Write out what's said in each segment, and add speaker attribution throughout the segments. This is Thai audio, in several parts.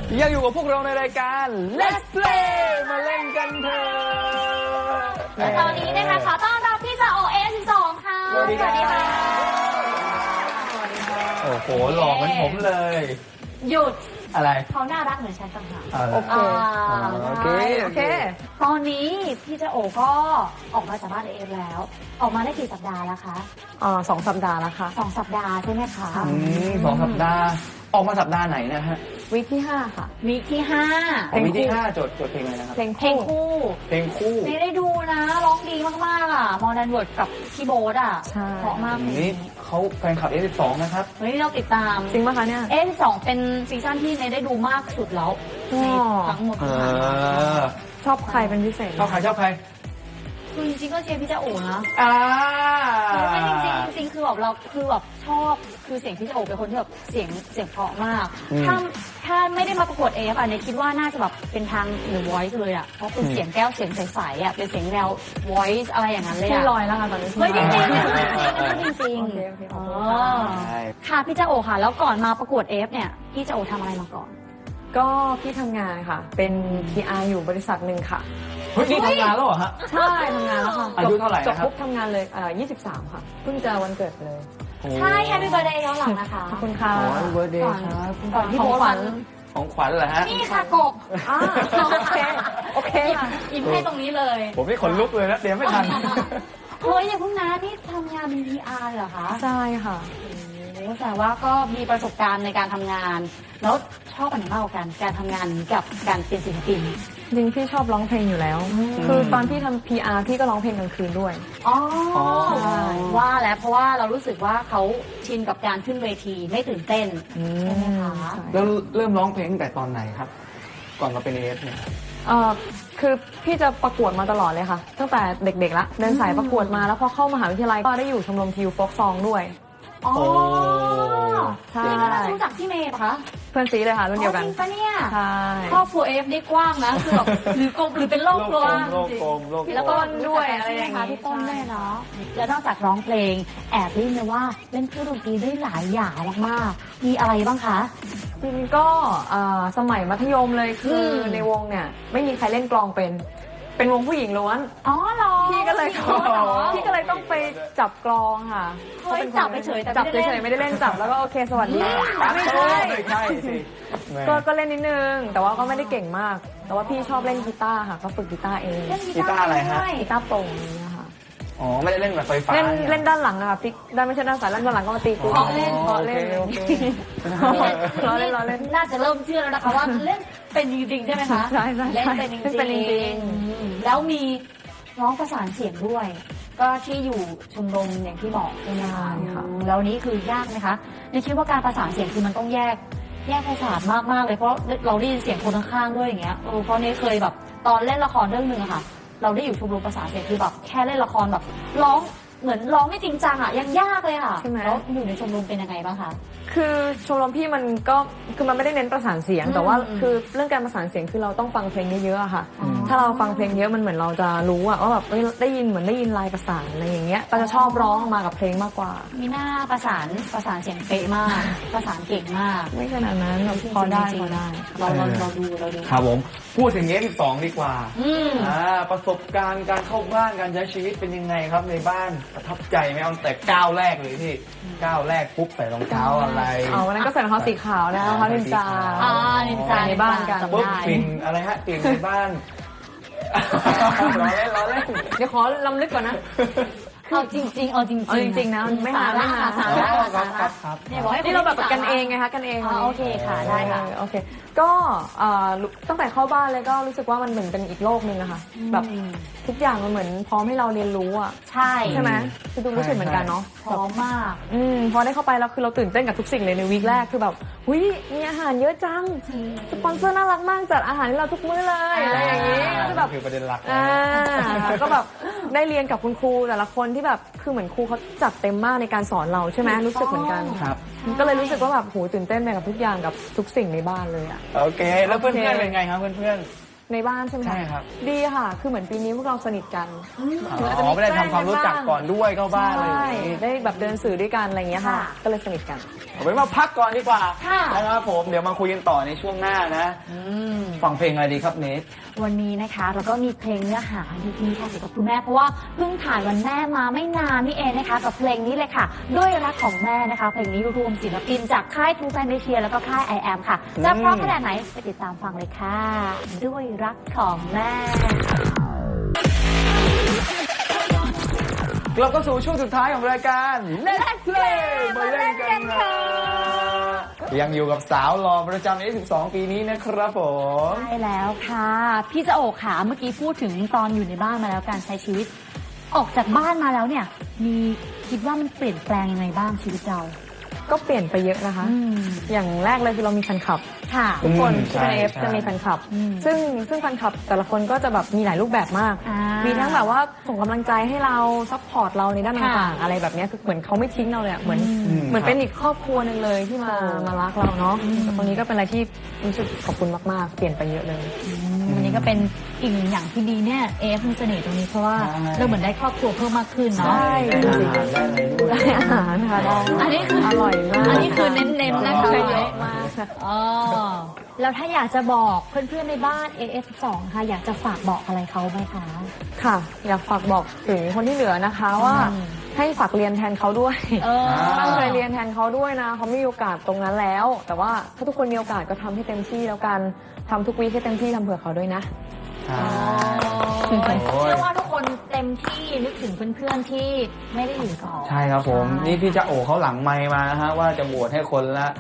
Speaker 1: ยังอยู่กับพวกเราในรายการ Let's Play มาเล่นกันเถอะ
Speaker 2: ตอนนี้นะคะขอต้อนรับพี่จะโอเอ12ค่ะ
Speaker 1: สวัสดีค่ะโอ้โหหล่อเหมือนผมเลย
Speaker 2: หยุด
Speaker 1: อะไร
Speaker 2: เขาน่ารักเหมือนฉันต่างหาก
Speaker 1: โอเคโอเค
Speaker 2: ตอนนี้พี่เจโอก็ออกมาจากบ้านเอฟแล้ว ออกมาได้กี่สัปดาห์แล้วคะ
Speaker 3: 2 สัปดาห์แล้วค่ะ
Speaker 2: 2 สัปดาห์ใช่ไหมคะ
Speaker 1: 2 สัปดาห์ออกมาสัปดาห์ไหนนะฮะ
Speaker 3: วีคที่ 5 ค่ะ
Speaker 2: วีคที่5
Speaker 1: วีคที่5จดเพลงอะไรนะครับ
Speaker 3: เพลง
Speaker 2: เพลงคู่
Speaker 1: เพลงคู่
Speaker 2: ไม่ได้ดูนะร้องดีมากๆอ่ะมอร์แดนเวิร์ดกับพี่โบ๊ทอ่ะ
Speaker 3: ใช่
Speaker 2: เพราะมากเลย
Speaker 1: นี่เขาแฟนคลับ F12 นะครับ
Speaker 2: เฮ้ยเราติดตาม
Speaker 3: จริงป่ะคะเนี่ย
Speaker 2: F12 เป็นซีซั่นที่เนยได้ดูมากสุดแล้วในทั้งหมดที่ผ่านมา
Speaker 3: ชอบใครเป็นพิเศษ
Speaker 1: ชอบใครชอบใคร
Speaker 2: คือจริงๆก็เชียร์พี่เจ้าโอ๋นะ ไม่จริงคือแบบเราคือแบบชอบคือเสียงพี่เจ้าโอ๋เป็นคนที่แบบเสียงเพราะมาก ถ้าไม่ได้มาประกวดเอฟอ่ะเนี่ยคิดว่าน่าจะแบบเป็นทางหรือ voice เลยอ่ะเพราะเป็นเสียงแก้วเสียงใสๆอ่ะเป็นเสียงแนว voice อะไรอย่างนั้นเลย
Speaker 3: พี่
Speaker 2: อ่ะ
Speaker 3: ลอยแล้วค่ะตอนนี้
Speaker 2: เฮ้ยจริงๆจริง
Speaker 3: โอเค
Speaker 2: ๆ
Speaker 3: ขอบ
Speaker 2: อ๋
Speaker 3: คุ
Speaker 2: อ
Speaker 3: ณค่ะ
Speaker 1: ใช่
Speaker 2: ค่ะพี่เจ้าโอ๋ค่ะ แล้วก่อนมาประกวดเอฟเนี่ยพี่เจ้าโอ๋ทำอะไรมาก่อน
Speaker 3: ก็พี่ทำงานค่ะ เป็น PR อยู่บริษัทหนึ่งค่ะ
Speaker 1: เฮ้ยนี่ทำงานแล้วเหรอฮะ
Speaker 3: ใช่ทำงานแล้วค่ะ
Speaker 1: อายุเท่าไหร่
Speaker 3: จบ
Speaker 1: นะครับ
Speaker 3: ปุ๊บทำงานเลย23 ค่ะ เพิ่งจะวันเกิดเลย
Speaker 2: ใช่ Happy Birthday ย้อนหลังนะคะ
Speaker 3: ขอบคุณค่ะ
Speaker 1: โอ้ยเบอร์เดย์ครับ
Speaker 2: ก่อนที่
Speaker 3: ขอ
Speaker 2: โบ๊
Speaker 3: ง
Speaker 2: ท
Speaker 3: ขวัญ
Speaker 1: ของขวัญเหรอฮะ
Speaker 2: นี่ค่ะกบ
Speaker 3: โอเคค่ะ
Speaker 2: ยิ้มให้ตรงนี้เลย
Speaker 1: ผมนี่ขนลุกเลยนะเตรียมไม่ทัน
Speaker 2: เฮ้ยอย่าเพิ่งนะนี่ทำงานเป็น PR เหรอคะ
Speaker 3: ใช่ค่ะ
Speaker 2: โอ้แต่ว่าก็มีประสบการณ์ในการทำงาน แล้วชอบอันไหนมากกว่ากันการทำงานกับการเป็นศิลปิน
Speaker 3: จริงพี่ชอบร้องเพลงอยู่แล้ว คือตอนพี่ทำ PR พี่ก็ร้องเพลงกลางคืนด้วย
Speaker 2: อ๋อ
Speaker 3: ใช่
Speaker 2: ว่าแล้วเพราะว่าเรารู้สึกว่าเขาชินกับการขึ้นเวทีไม่ตื่นเต้นใช่ไหมคะ
Speaker 1: แล้วเริ่มร้องเพลงตั้งแต่ตอนไหนครับ ก่อนมาเป็นเอฟเนี่ย
Speaker 3: คือพี่จะประกวดมาตลอดเลยค่ะ ตั้งแต่เด็กๆละเดินสายประกวดมาแล้วพอเข้ามหาวิทยาลัยก็ได้อยู่ชมรมทิวโฟกซองด้วย
Speaker 2: อ๋อ
Speaker 3: ใช่
Speaker 2: นี่ก็น่าจะรู้จักพี่เมย์ปะคะ
Speaker 3: เพื่อนซีเลยค่ะรุ่นเดียวกัน
Speaker 2: จริงปะเนี่ย
Speaker 3: ใช่
Speaker 2: ครอบครัวเอฟได้กว้างนะคือแบบหรือกลมหรือเป็นโลกกลม
Speaker 1: โลกกลมโลกกลม
Speaker 2: แล้วก็
Speaker 3: ด้วยอะไรอย่างงี้
Speaker 2: พี่ต้นด้วยเนาะแล้วนอกจากร้องเพลงแอบได้ยินมาว่าเล่นเครื่องดนตรีได้หลายอย่างมากๆมีอะไรบ้างคะ
Speaker 3: จริงๆก็สมัยมัธยมเลยคือในวงเนี่ยไม่มีใครเล่นกลองเป็นวงผู้หญิงล้วน
Speaker 2: อ๋อเหรอ
Speaker 3: พี่ก็เลยต้องไปจับกลองค่ะ
Speaker 2: เฮ้ยจับเฉยๆแต่
Speaker 3: จับ
Speaker 2: ไม่ได้
Speaker 3: เฉ
Speaker 2: เล่
Speaker 3: ย
Speaker 2: น
Speaker 3: ๆไม่ได้เล่นจับแล้วก็โอเคสวัสดีไม่ใช่
Speaker 1: ไม่ใช่สิแหม่
Speaker 3: ก็เล่นนิดนึง แต่ว่าก็ไม่ได้เก่งมาก แต่ว่าพี่ชอบเล่นกีตาร์ค่ะ ก็ฝึกกีตาร์เอง
Speaker 2: เล่น
Speaker 1: กีตาร์อะไรฮะ
Speaker 2: ด้วย
Speaker 3: กีตาร์โปร่งอย่างเงี้ยค่ะ
Speaker 1: อ๋อไม่ได้เล่นแบบไฟฟ้า
Speaker 3: เล่นด้านหลังอะค่ะพลิกด้านไม่ใช่ด้านซ้ายด้านหลังก็มาตีกู
Speaker 2: เพราะเล่น
Speaker 3: เพราะเล่น
Speaker 1: โอเค
Speaker 3: ล้อเล่นล้อเล่น
Speaker 2: น่าจะเริ่มเชื่อแล้วนะคะว่าเล่นเป็นจริงๆใช่ไหมคะ
Speaker 3: ใช่ใช่
Speaker 2: เล่นเป็นจริง
Speaker 3: เป็นจริง
Speaker 2: ๆแล้วมีร้องประสานเสียงด้วย ก็ที่อยู่ชมรมอย่างที่บอกใช่ไหมคะ
Speaker 3: ใช่ค่ะ
Speaker 2: แล้วนี้คือยากไหมคะในคิดว่าการประสานเสียงคือมันต้องแยกประสาทมากๆเลยเพราะเราได้ยินเสียงคนข้างๆด้วยอย่างเงี้ยเพราะนี่เคยแบบตอนเล่นละครเรื่องหนึ่งอะค่ะ เราได้อยู่ชมรมประสานเสียงคือแบบแค่เล่นละครแบบร้องเหมือนร้องไม่จริงจังอะยังยากเลยค่ะ
Speaker 3: ใช่ไหม
Speaker 2: แล้วอยู่ในชมรมเป็นยังไงบ้างคะ
Speaker 3: คือชมรมพี่มันก็คือมันไม่ได้เน้นประสานเสียง แต่ว่า
Speaker 2: อืม
Speaker 3: คือเรื่องการประสานเสียงคือเราต้องฟังเพลงเยอะๆอะค่ะ
Speaker 2: อ๋อ
Speaker 3: ถ้าเราฟังเพลงเยอะมันเหมือนเราจะรู้อะว่าแบบเอ้ยได้ยินเหมือนได้ยินลายประสานอะไรอย่างเงี้ยเราจะชอบร้องออกมากับเพลงมากกว่า
Speaker 2: มีหน้าประสานเสียงเป๊ะมาก ประสานเก่งมาก
Speaker 3: ไม่ขนาดนั้นแบบพอได้พอได้
Speaker 2: เราดู
Speaker 1: ครับผมพูดถึงF12ดีกว่า
Speaker 2: อืม
Speaker 1: ประสบการณ์การเข้าบ้านการใช้ชีวิตเป็นยังไงครับในบ้านประทับใจไหมเอาแต่ก้าวแรกเลยที่ก้าวแรกปุ๊บใส่รองเท้าอะไร
Speaker 3: เอาวันนั้นก็ใส่รองเท้าสีขาวนะรองเท้านินจา
Speaker 2: นินจา
Speaker 3: ในบ้านกัน
Speaker 1: ปุ๊บ
Speaker 2: ได้
Speaker 1: กลิ่นอะไรฮะกลิ่นในบ้านล้อเล่น
Speaker 3: เดี๋ยวขอลำลึกก่อนนะ
Speaker 2: เอาจริงๆ
Speaker 3: เอาจริงๆนะไม่หาไม่หา
Speaker 2: สาระ
Speaker 1: ครับ
Speaker 2: เนี่ยบอกให้
Speaker 3: นี่เราแบบกันเองไงคะกันเอง
Speaker 2: โอเคค่ะได้ค่ะ
Speaker 3: โอเค ก็ตั้งแต่เข้าบ้านเลยก็รู้สึกว่ามันเหมือนเป็นอีกโลกนึงอะค่ะแบบทุกอย่างมันเหมือนพร้อมให้เราเรียนรู้อะ
Speaker 2: ใช่
Speaker 3: ใช่ไหมคือดูรู้สึกเหมือนกันเนาะ
Speaker 2: พร้อมมาก
Speaker 3: พอได้เข้าไปแล้วคือเราตื่นเต้นกับทุกสิ่งเลยในวีคแรกคือแบบหุยมีอาหารเยอะจังสปอนเซอร์น่ารักมากจัดอาหารให้เราทุกมื้อเลยอะไรอย่างนี้คือแบบ
Speaker 1: คือประเด็นหลัก
Speaker 3: ก็แบบได้เรียนกับคุณครูแต่ละคนที่แบบคือเหมือนครูเขาจัดเต็มมากในการสอนเราใช่ไหมรู้สึกเหมือนกัน
Speaker 1: ครับ
Speaker 3: ก็เลยรู้สึกว่าแบบโหตื่นเต้นไปกับทุกอย่างกับทุกสิ่งในบ้านเลยอะ
Speaker 1: โอเค แล้วเพื่อนๆเป็นไงครับเพื่อน
Speaker 3: ในบ้านใช่ไหมะ
Speaker 1: ใช่ครับ
Speaker 3: ดีค่ะ คือเหมือนปีนี้พวกเราสนิทกัน
Speaker 1: ๆอ๋อไม่ได้ทำความรู้จักก่อนด้วยเข้าบ้านอะไรอย่างนี้
Speaker 3: ได้แบบเดินสื่อด้วยกันอะไรอย่างเงี้ยค่ะ
Speaker 2: ค่ะ
Speaker 3: ก็เลยสนิทกัน
Speaker 2: อ
Speaker 1: เอาไว้มาพักก่อนดีกว่า
Speaker 2: ค่ะ
Speaker 1: นะครับผมเดี๋ยวมาคุยกันต่อในช่วงหน้านะฟังเพลงอะไรดีครับเนท
Speaker 2: วันนี้นะคะเราก็มีเพลงเนื้อหาดีๆค่ะเกี่ยวกับคุณแม่เพราะว่าเพิ่งผ่านวันแม่มาไม่นานนี่เองนะคะกับเพลงนี้เลยค่ะ ด้วยรักของแม่นะคะ เพลงนี้รวมศิลปินจากค่ายทูแฟนเดเชียแล้วก็ค่าย I am ค่ะจะเพราะขนาดไหนไปติดตามฟังเลยค่ะ ด้วยรักของแม่
Speaker 1: เราก็สู่ช่วงสุดท้ายของรายการ Let's Play มาเล่นกันค่ะยังอยู่กับสาวหล่อประจำใน12 ปีนี้นะครับผม
Speaker 2: ใช่แล้วค่ะ พี่จะโอกขาเมื่อกี้พูดถึงตอนอยู่ในบ้านมาแล้วการใช้ชีวิต ออกจากบ้านมาแล้วเนี่ย มีคิดว่ามันเปลี่ยนแปลงยังไงบ้างชีวิตเรา
Speaker 3: ก็เปลี่ยนไปเยอะนะคะ อย่างแรกเลยคือเรามีแฟนคลับ
Speaker 2: ค่ะ
Speaker 3: ทุกคน
Speaker 1: ใช่
Speaker 3: ที่เป็นเอฟ
Speaker 1: ใช่
Speaker 3: จะมีแฟนคลับ
Speaker 2: อืม
Speaker 3: ซึ่งแฟนคลับแต่ละคนก็จะแบบมีหลายรูปแบบมาก มีทั้งแบบว่าส่งกำลังใจให้เราซัพพอร์ตเราในด้านต่างๆอะไรแบบเนี้ยคือเหมือนเขาไม่ทิ้งเราเลยอะเหมือนเป็นอีกครอบครัวหนึ่งเลยที่มารักเราเนาะตรงนี้ก็เป็นอะไรที่รู้สึกขอบคุณมากๆ เปลี่ยนไปเยอะเลย
Speaker 2: อันนี้ก็เป็นอีกหนึ่งอย่างที่ดีเนี่ยเอฟมีเสน่ห์ตรงนี้เพราะว่า
Speaker 1: ใช่
Speaker 2: เราเหมือนได้ครอบครัวเพิ่มมากขึ้นเนาะ
Speaker 3: ใช่
Speaker 1: ได้อาหารได้อะไรด้วย
Speaker 3: ได้อาหารค่ะได้
Speaker 2: อันนี้คือ
Speaker 3: อร่อยมาก
Speaker 2: อันนี้คือเน้นๆนะคะ
Speaker 3: ใช่เยอะมาก
Speaker 2: อ๋อแล้วถ้าอยากจะบอกเพื่อนๆในบ้าน AF2 ค่ะอยากจะฝากบอกอะไรเขาไหมคะ
Speaker 3: ค่ะ อยากฝากบอกถึงคนที่เหลือนะคะว่าให้ฝากเรียนแทนเขาด้วย ตั้งใจเรียนแทนเขาด้วยนะเขาไม่มีโอกาสตรงนั้นแล้ว แต่ว่าถ้าทุกคนมีโอกาสก็ทำให้เต็มที่แล้วกันทำทุกวีคให้เต็มที่ทำเผื่อเขาด้วยนะ
Speaker 2: เชื่อว่าทุกคนเต็มที่นึกถึงเพื่อนๆที่ไม่ได้อยู่ก่อน
Speaker 1: ใช่ครับผม นี่พี่จะโอเขาหลังไมค์มานะฮะว่าจะโหวตให้คนละ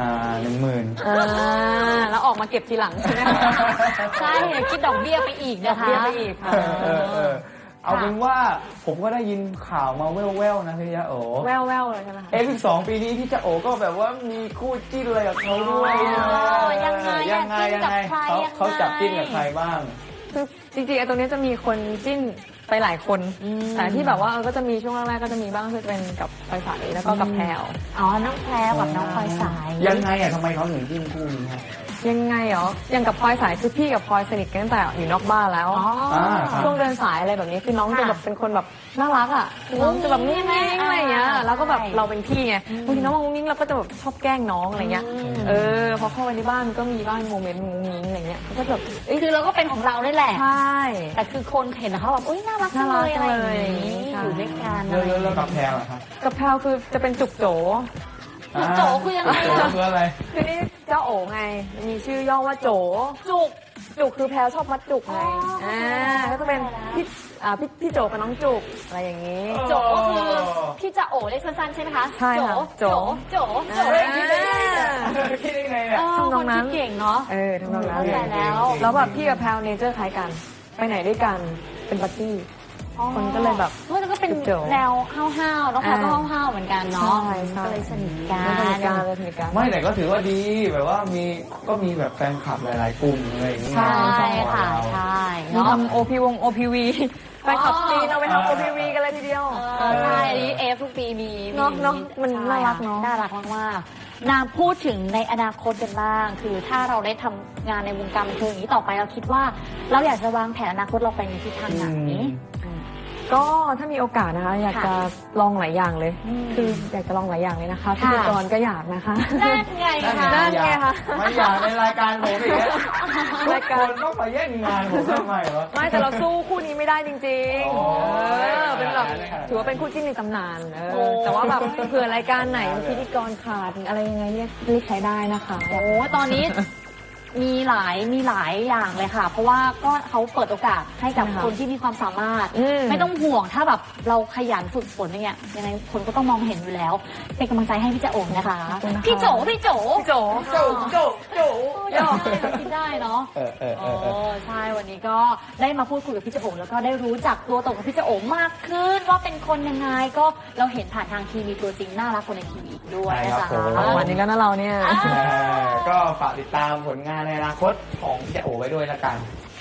Speaker 1: 10,000
Speaker 3: แล้วออกมาเก็บทีหลังใช่ไหมคะ
Speaker 2: ใช่คิดดอกเบี้ยไปอีกนะคะ
Speaker 3: ดอกเบี้ยไปอีกค่ะ
Speaker 1: เอาเป็นว่าผมก็ได้ยินข่าวมาแว่วๆนะพี่จะโอ
Speaker 3: แววเลยใช่ไหมคะ
Speaker 1: 12 ปีนี้พี่จะโอก็แบบว่ามีคู่จิ้นอะไรกับเขาด้วย
Speaker 2: ยังไง
Speaker 1: ยังไง
Speaker 2: จิ้นกับใครยังไง
Speaker 1: เขาจับจิ้นกับใครบ้าง
Speaker 3: คือจริงๆไอ้ตรงนี้จะมีคนจิ้นไปหลายคน แต่ที่แบบว่าก็จะมีช่วงแรกๆก็จะมีบ้างคือเป็นกับไฟใสแล้วก็กับแพรว
Speaker 2: อ๋อน้องแพรกับน้องพลอยสาย
Speaker 1: ยังไงอ่ะทำไมเขาถึงจิ้นคู่นี้ฮะ
Speaker 3: ยังไงเหรออย่างกับพลอยสายคือพี่กับพลอยสนิทกันตั้งแต่อยู่นอกบ้านแล้ว
Speaker 1: ครับ
Speaker 3: ช่วงเดินสายอะไรแบบนี้คือน้องจะแบบเป็นคนแบบน่ารักอ่ะคือน้องจะแบบนิ่งๆอะไรอย่างเงี้ยแล้วก็แบบเราเป็นพี่ไงบางทีน้องมองมิ้งเราก็จะแบบชอบแกล้งน้องอะไรเงี้ยพอเข้าไปในบ้านมันก็มีบ้างโมเมนต์มุ้งมิ้งอะไรเงี้ยก็แบบ
Speaker 2: คือเราก็เป็นของเราได้แหละ
Speaker 3: ใช่
Speaker 2: แต่คือคนเห็นแล้วเขาแบบอุ้ยน่ารักจังเลยอะไรอย่างนี้
Speaker 3: ใช่
Speaker 2: อยู่ด้วยกัน
Speaker 1: แล้วกับแพรวอะครับ
Speaker 3: กับแพลวคือจะเป็นจุกโจ
Speaker 2: จุกโจคือยังไง
Speaker 1: จุกโจคืออะไร
Speaker 3: คือนี่เจ้าโอ๋ไงมีชื่อย่อว่าโจ
Speaker 2: จุก
Speaker 3: จุกคือแพลวชอบมัดจุกไง
Speaker 2: อ๋อ
Speaker 3: ก็จะเป็นพี่โจกับน้องจุกอะไรอย่างนี้
Speaker 2: โจก็คือพี่จะโอเรียกสั้นๆใช่ไหมคะ
Speaker 3: ใช่ค่ะ
Speaker 2: โจโจ
Speaker 1: คิดได้ไงเนี่ยคิดได้ไงเนี่ย
Speaker 3: ทำนองนั้น
Speaker 2: คเก่งเนาะ
Speaker 3: ทำนองนั้น
Speaker 2: เข้าใจแล้ว
Speaker 3: แล้วแบบพี่กับแพลวเนเจอร์คล้ายกัน ไปไหนด้วยกันเป็นบัดดี้ คนก็เลยแบบ
Speaker 2: มันก็เป็น
Speaker 3: โจ
Speaker 2: แนวห้าวๆน้องแพรก็ห้าวๆเหมือนกันเนาะ
Speaker 3: ใช่ใช่
Speaker 2: ก็เลยสนิทกั
Speaker 3: สนิทกัน
Speaker 2: น
Speaker 3: เลยสนิทกัน
Speaker 1: ไม่แต่ก็ถือว่าดีแบบว่ามีแบบแฟนคลับหลายๆกลุ่มอะไรอย่างเงี้ย
Speaker 2: ใช่ค่ะ
Speaker 1: เรา
Speaker 2: ใช่
Speaker 3: มี
Speaker 2: เนาะ
Speaker 3: ทำ OPV ไปขับจีนเอาไปทำ OPV กันเลยทีเดียว
Speaker 2: ใช่อันนี้เอฟทุกปีมี
Speaker 3: เนอะมัน
Speaker 2: ใช่
Speaker 3: น่ารักเนอะ
Speaker 2: น่ารักมากๆนางพูดถึงในอนาคตกันบ้าง คือถ้าเราได้ทำงานในวงการบันเทิงอย่างนี้ต่อไปเราคิดว่า เราอยากจะวางแผนอนาคตเราไปในทิศทางไหน
Speaker 3: ก็ถ้ามีโอกาสนะคะอยากจะลองหลายอย่างเลย
Speaker 2: อืม
Speaker 3: คืออยากจะลองหลายอย่างเลยนะคะพิธีกรก็อยากนะคะ
Speaker 2: นั่นไงคะ
Speaker 3: นั่นไงคะ
Speaker 1: ไม่อยากในรายการผมอีกแล้วทุ
Speaker 3: ราก ย
Speaker 1: ค
Speaker 3: การ
Speaker 1: นต้องมาแย่งงานผมทำไมวะ
Speaker 3: ไม่แต่เราสู้คู่นี้ไม่ได้จริง
Speaker 1: โอ้
Speaker 3: ๆเป็นแบบถือว่าเป็นคู่จิ้นในตำนานแต่ว่าแบบเผื่อรายการไหนพิธีกรขาดอะไรยังไงเรียกใช้ได้นะคะ
Speaker 2: โอ้ตอนนี้มีหลายอย่างเลยค่ะ เพราะว่าก็เขาเปิดโอกาสให้กับ
Speaker 3: ใช่ค่ะ
Speaker 2: คนที่มีความสามารถ
Speaker 3: อืม
Speaker 2: ไม่ต้องห่วงถ้าแบบเราขยันฝึกฝนอย่างเงี้ยยังไงคนก็ต้องมองเห็นอยู่แล้ว เป็นกำลังใจให้พี่จะโอ่งนะคะ
Speaker 3: ขอบคุณนะคะ
Speaker 2: พี่โจ
Speaker 3: พี่โจ
Speaker 1: โจโจ
Speaker 2: ยอมเราคิดได้เนาะ ใช่วันนี้ก็ได้มาพูดคุยกับพี่เจโอ๋แล้วก็ได้รู้จักตัวตนของพี่เจโอ๋มากขึ้นว่าเป็นคนยังไงก็เราเห็นผ่านทางทีวีตัวจริงน่ารักคนในทีวีอีกด้วยนะ
Speaker 1: ใช่ครั
Speaker 2: จ๊ะ
Speaker 1: บผม
Speaker 3: วันนี้แล้วนะเราเนี่ย
Speaker 1: ก็ฝากติดตามผลงานในอนาคตของพี่โอไว้ด้วยละกัน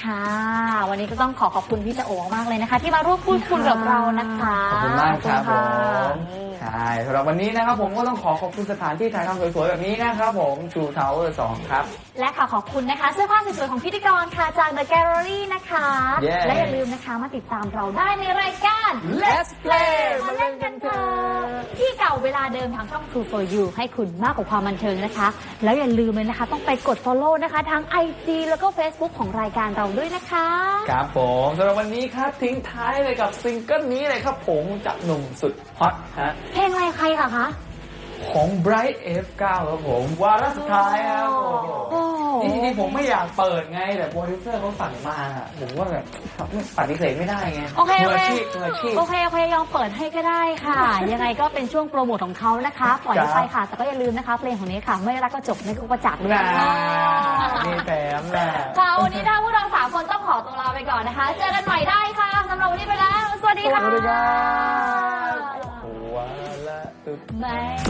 Speaker 2: ค่ะ วันนี้ก็ต้องขอบคุณพี่จะโอมากเลยนะคะ ที่มาร่วมพูดคุยกับเรานะคะ
Speaker 1: ขอบคุณมากครับ
Speaker 3: ข
Speaker 1: ผ
Speaker 3: อบคุณค่ะ
Speaker 1: มใช่สำหรับวันนี้นะครับผมก็ต้องขอบคุณสถานที่ถ่ายทำสวยๆแบบนี้นะครับผมชูทาวเวอร์2ครับ
Speaker 2: และขอบคุณนะคะเสื้อผ้าสวยๆของพิธีกรค่ะจาก The Gallery นะคะ
Speaker 1: Yeah
Speaker 2: และอย่าลืมนะคะมาติดตามเราได้ในรายการ
Speaker 1: Let's Play
Speaker 2: มาเล่นกันเถอะที่เก่าเวลาเดิมทางช่อง True for You ให้คุณมากกว่าความบันเทิงนะคะ แล้วอย่าลืมเลยนะคะต้องไปกด follow นะคะทั้ง IG แล้วก็ Facebook ของรายการเราด้วยนะคะ
Speaker 1: ครับผมสำหรับวันนี้ครับทิ้งท้ายเลยกับซิงเกิลนี้เลยครับผมจากหนุ่มสุดฮอตฮะ
Speaker 2: เพลงอะไรใครคะ
Speaker 1: ของ Bright F9 ครับผมวาระสุดท้ายครับผม
Speaker 2: โอ้
Speaker 1: จริงๆผมไม่อยากเปิดไงแต่โปรดิวเซอร์เขาสั่งมาอะผมว่าแบบปฏิเสธไม่ได้ไง
Speaker 2: โอเค
Speaker 1: มื
Speaker 2: โอ
Speaker 1: อ
Speaker 2: เค
Speaker 1: อาชีพมืออาชีพ
Speaker 2: โอเคยอมเปิดให้ก็ได้ค่ะ ยังไงก็เป็นช่วงโปรโมทของเขานะคะปล่อยไปค่ะ แต่ก็อย่าลืมนะคะเพลงของนี้ค่ะ ไม่รักก็จบไม่ก็ประจักษ์ด้วย
Speaker 1: น่า
Speaker 2: ค่ะ
Speaker 1: นี่แถมแหละ
Speaker 2: ค่ะวันนี้ถ้าพวกเราสามคนต้องขอตัวลาไปก่อนนะคะ เจอกันใหม่ได้ค่ะสำหรับวันนี้ไปแล้ว สวัสดีค่ะ
Speaker 1: สวัสดีครับวาระสุด
Speaker 2: ไม่